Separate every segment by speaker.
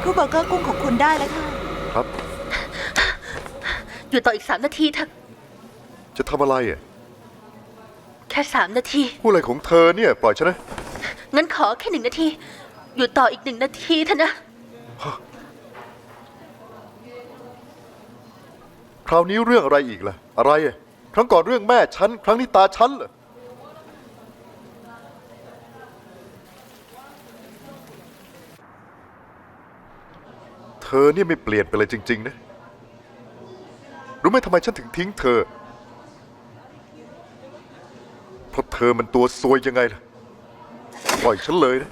Speaker 1: ครูเบอร์เกอร์กุ้งของคุณได้แล้วค่ะ
Speaker 2: ครับ
Speaker 3: อยู่ต่ออีก3 นาทีเถอะ
Speaker 2: จะทำอะไรอ่ะ
Speaker 3: แค่3 นาที
Speaker 2: พูดอะไรของเธอเนี่ยปล่อยฉันนะ
Speaker 3: งั้นขอแค่1 นาที อยู่ต่ออีก1 นาทีเถอะนะ
Speaker 2: คราวนี้เรื่องอะไรอีกล่ะอะไรอ่ะครั้งก่อนเรื่องแม่ฉันครั้งนี้ตาฉันเหรอเธอเนี่ยไม่เปลี่ยนไปเลยจริงๆนะรู้ไหมทำไมฉันถึงทิ้งเธอเพราะเธอมันตัวซวยยังไงล่ะปล่อยฉันเลยนะ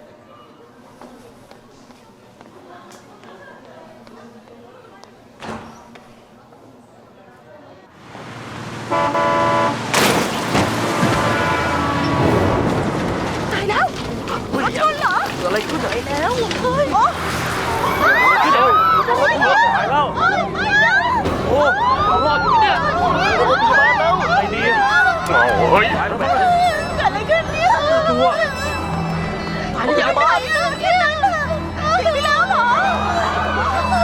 Speaker 1: ตายแล้วรถชนเหรอ
Speaker 4: อะไรขึ้นอะ
Speaker 1: ไปแล้วเฮ้ย
Speaker 4: ขึ้นเลยตายแล้วโอ้รอดอยู่เนี่ยโรงพยาบาลแล้วไอ้ดีเฮ้ยตายแล้วแม่
Speaker 1: เกิดอะไรขึ้นเนี่ย
Speaker 4: ตัวตายแล้วยาบ้า
Speaker 1: ถึงแล้วเหรอ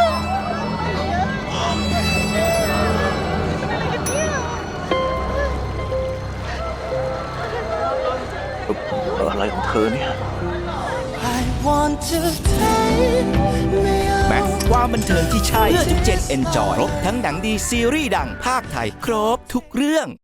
Speaker 4: อะไรของเธอเนี่ย
Speaker 5: แม็กซ์ความบันเทิงที่ใช่เพื่อทุกเจนเอนจอยครบทั้งหนังดีซีรีส์ดังภาคไทย ครบทุกเรื่อง